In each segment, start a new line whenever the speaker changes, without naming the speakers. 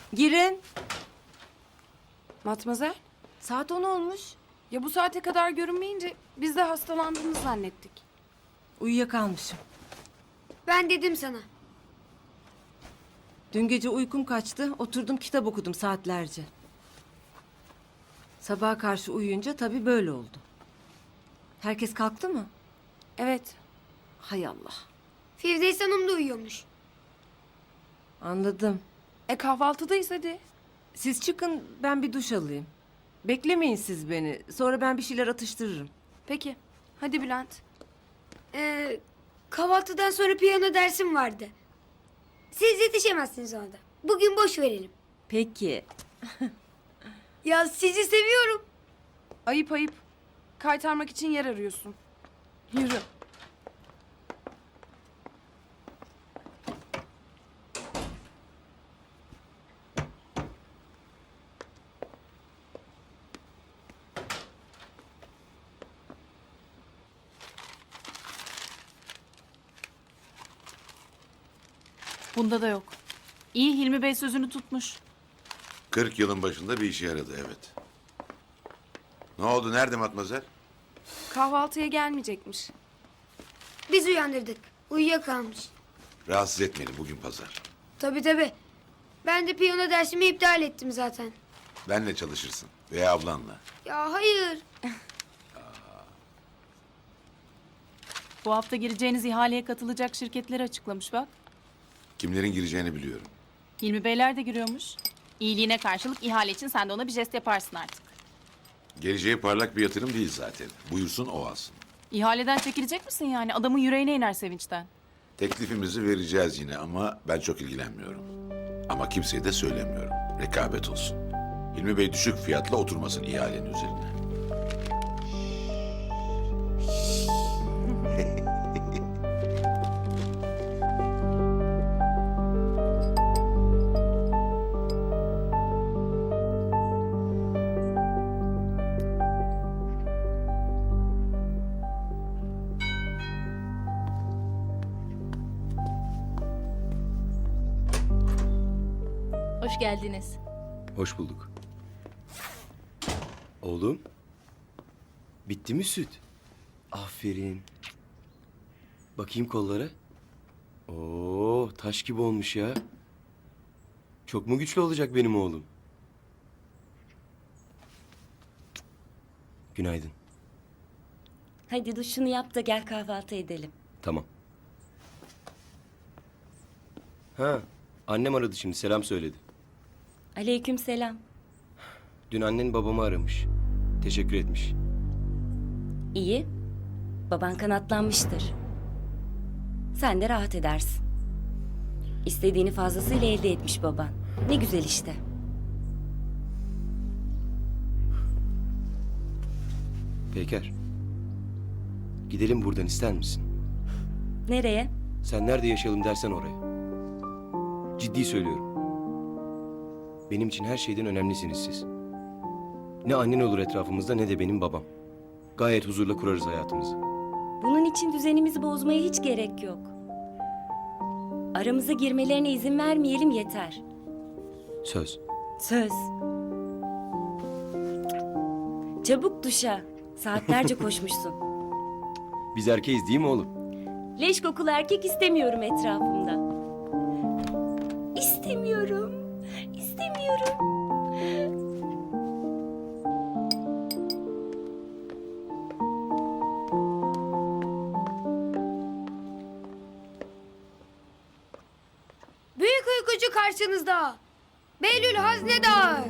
Girin.
Matmazel,
Saat 10 olmuş.
ya bu saate kadar görünmeyince biz de hastalandığını zannettik.
Uyuyakalmışım.
Ben dedim sana.
Dün gece uykum kaçtı. Oturdum kitap okudum saatlerce. Sabaha karşı uyuyunca tabii böyle oldu. Herkes kalktı mı?
Evet,
Hay Allah.
Firdevs Hanım da uyuyormuş.
Anladım.
kahvaltıdayız hadi.
Siz çıkın, ben bir duş alayım. Beklemeyin siz beni. Sonra ben bir şeyler atıştırırım.
Peki, hadi Bülent.
Kahvaltıdan sonra piyano dersim vardı. Siz yetişemezsiniz orada. Bugün boş verelim.
Peki.
Ya sizi seviyorum.
Ayıp ayıp. Kaytarmak için yer arıyorsun. Yürü.
Bunda da yok. İyi, Hilmi Bey sözünü tutmuş.
40 yılın başında bir işe yaradı, evet. Ne oldu, nerede Matmazel?
Kahvaltıya gelmeyecekmiş.
Biz uyandırdık. Uyuyakalmış.
Rahatsız etmeyelim, bugün pazar.
Tabii. Ben de piyano dersimi iptal ettim zaten.
Benle çalışırsın veya ablanla.
Ya hayır.
Bu hafta gireceğiniz ihaleye katılacak şirketleri açıklamış bak.
Kimlerin gireceğini biliyorum.
Hilmi Beyler de giriyormuş. İyiliğine karşılık ihale için sen de ona bir jest yaparsın artık.
Geleceği parlak bir yatırım değil zaten. Buyursun o alsın.
İhaleden çekilecek misin yani? Adamın yüreğine iner sevinçten.
Teklifimizi vereceğiz yine ama ben çok ilgilenmiyorum. Ama kimseye de söylemiyorum. Rekabet olsun. Hilmi Bey düşük fiyatla oturmasın ihalenin üzerine.
Hoş geldiniz.
Hoş bulduk. Oğlum. Bitti mi süt? Aferin. Bakayım kollara. Oo, taş gibi olmuş ya. Çok mu güçlü olacak benim oğlum? Günaydın.
Hadi duşunu yap da gel kahvaltı edelim.
Tamam. Ha, annem aradı şimdi, selam söyledi.
Aleykümselam.
Dün annen babamı aramış. Teşekkür etmiş.
İyi. Baban kanatlanmıştır. Sen de rahat edersin. İstediğini fazlasıyla elde etmiş baban. Ne güzel işte.
Peyker. Gidelim buradan, ister misin?
Nereye?
Sen nerede yaşayalım dersen oraya. Ciddi söylüyorum. Benim için her şeyden önemlisiniz siz. Ne annen olur etrafımızda ne de benim babam. Gayet huzurla kurarız hayatımızı.
Bunun için düzenimizi bozmaya hiç gerek yok. Aramıza girmelerine izin vermeyelim yeter.
Söz.
Söz. Çabuk duşa. Saatlerce koşmuşsun.
Biz erkeğiz değil mi oğlum?
Leş kokulu erkek istemiyorum etrafımda. İstemiyorum. İstemiyorum.
Büyük uykucu karşınızda. Behlül Haznedar.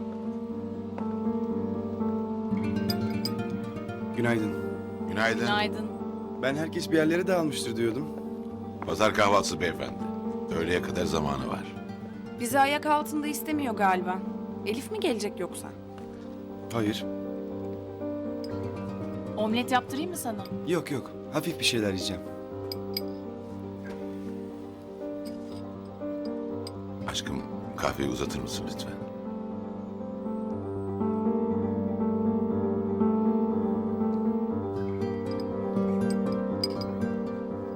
Günaydın.
Günaydın.
Günaydın.
Ben herkes bir yerlere dağılmıştır diyordum.
Pazar kahvaltısı beyefendi. Öğleye kadar zamanı var.
Bizi ayak altında istemiyor galiba. Elif mi gelecek yoksa?
Hayır.
Omlet yaptırayım mı sana?
Yok. Hafif bir şeyler yiyeceğim.
Aşkım, kahveyi uzatır mısın lütfen?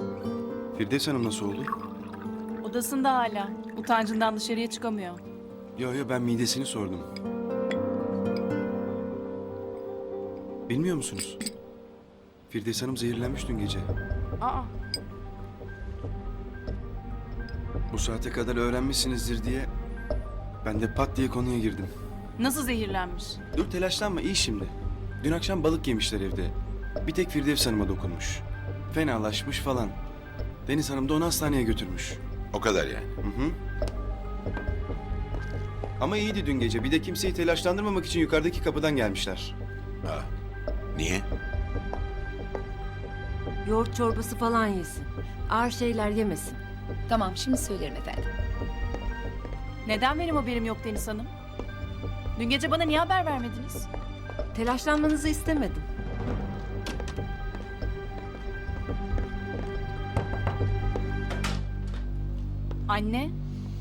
Firdevs Hanım nasıl oldu?
Odasında hala. Utancından dışarıya çıkamıyor.
Yo ben midesini sordum. Bilmiyor musunuz? Firdevs Hanım zehirlenmiş dün gece.
Aa,
Bu saate kadar öğrenmişsinizdir diye ben de pat diye konuya girdim.
Nasıl zehirlenmiş?
Dur telaşlanma iyi şimdi. Dün akşam balık yemişler evde. Bir tek Firdevs Hanım'a dokunmuş. Fenalaşmış falan. Deniz Hanım da onu hastaneye götürmüş.
O kadar yani.
Hı hı. Ama iyiydi dün gece. Bir de kimseyi telaşlandırmamak için yukarıdaki kapıdan gelmişler.
Ha. Niye?
Yoğurt çorbası falan yesin. Ağır şeyler yemesin.
Tamam, şimdi söylerim efendim.
Neden benim haberim yok Deniz Hanım? Dün gece bana niye haber vermediniz?
Telaşlanmanızı istemedim.
Anne.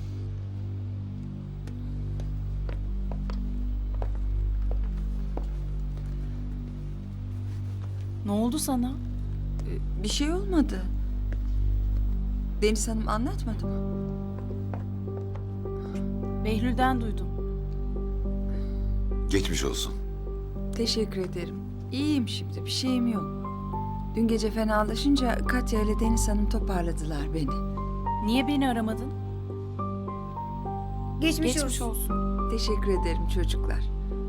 Ne oldu sana?
Bir şey olmadı. Deniz Hanım anlatmadı mı?
Behlül'den duydum.
Geçmiş olsun.
Teşekkür ederim. İyiyim şimdi, bir şeyim yok. Dün gece fenalaşınca Katya ile Deniz Hanım toparladılar beni.
Niye beni aramadın?
Geçmiş,
geçmiş
olsun.
olsun.
Teşekkür ederim çocuklar.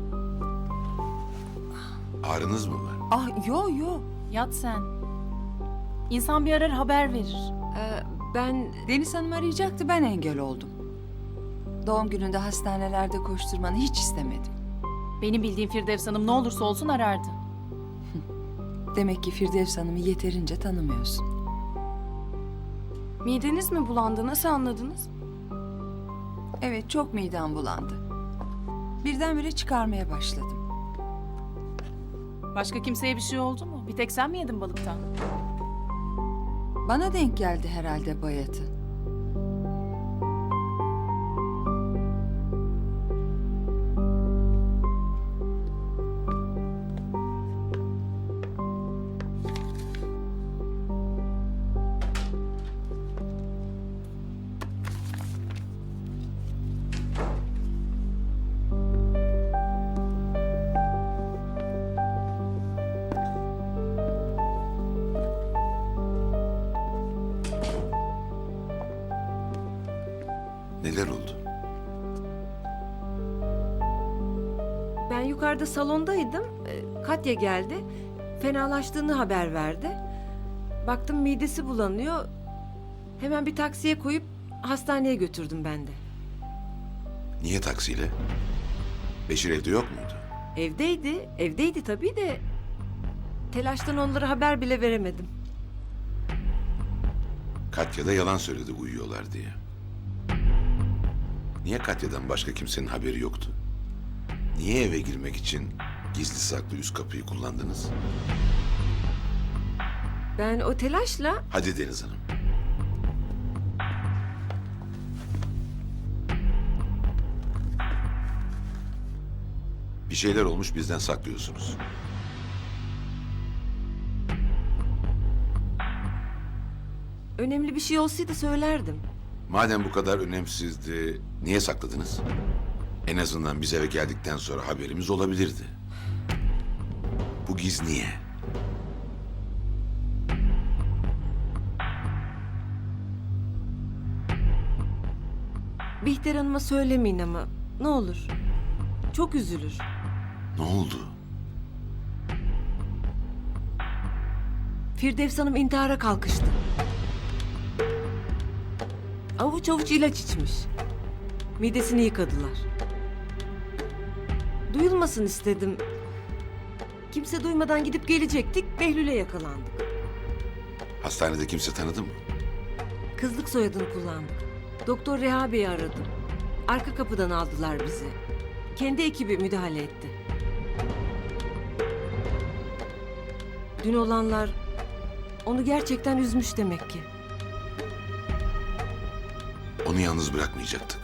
Ağrınız mı var?
Ah yo.
Yat sen. İnsan bir arar haber verir.
Ben
Deniz Hanım arayacaktı, ben engel oldum. Doğum gününde hastanelerde koşturmanı hiç istemedim.
Benim bildiğim Firdevs Hanım ne olursa olsun arardı.
Demek ki Firdevs Hanım'ı yeterince tanımıyorsun.
Mideniz mi bulandı? Nasıl anladınız?
Evet, çok midem bulandı. Birdenbire çıkarmaya başladım.
Başka kimseye bir şey oldu mu? Bir tek sen mi yedin balıktan?
Bana denk geldi herhalde bayatı.
Neler oldu?
ben yukarıda salondaydım. Katya geldi. Fenalaştığını haber verdi. Baktım midesi bulanıyor. Hemen bir taksiye koyup hastaneye götürdüm ben de.
Niye taksiyle? Beşir evde yok muydu?
Evdeydi tabii de telaştan onlara haber bile veremedim.
Katya da yalan söyledi uyuyorlar diye. Niye Katya'dan başka kimsenin haberi yoktu? Niye eve girmek için gizli saklı üst kapıyı kullandınız?
Ben o telaşla
Hadi Deniz Hanım. Bir şeyler olmuş bizden saklıyorsunuz.
önemli bir şey olsaydı söylerdim.
Madem bu kadar önemsizdi, niye sakladınız? En azından biz eve geldikten sonra haberimiz olabilirdi. Bu giz niye?
Bihter Hanım'a söylemeyin ama ne olur. Çok üzülür.
Ne oldu?
Firdevs Hanım intihara kalkıştı. Avuç avuç ilaç içmiş. Midesini yıkadılar. Duyulmasın istedim. Kimse duymadan gidip gelecektik, Behlül'e yakalandık.
Hastanede kimse tanıdı mı?
Kızlık soyadını kullandık. Doktor Reha Bey'i aradım. Arka kapıdan aldılar bizi. Kendi ekibi müdahale etti. Dün olanlar onu gerçekten üzmüş demek ki.
Onu yalnız bırakmayacaktık.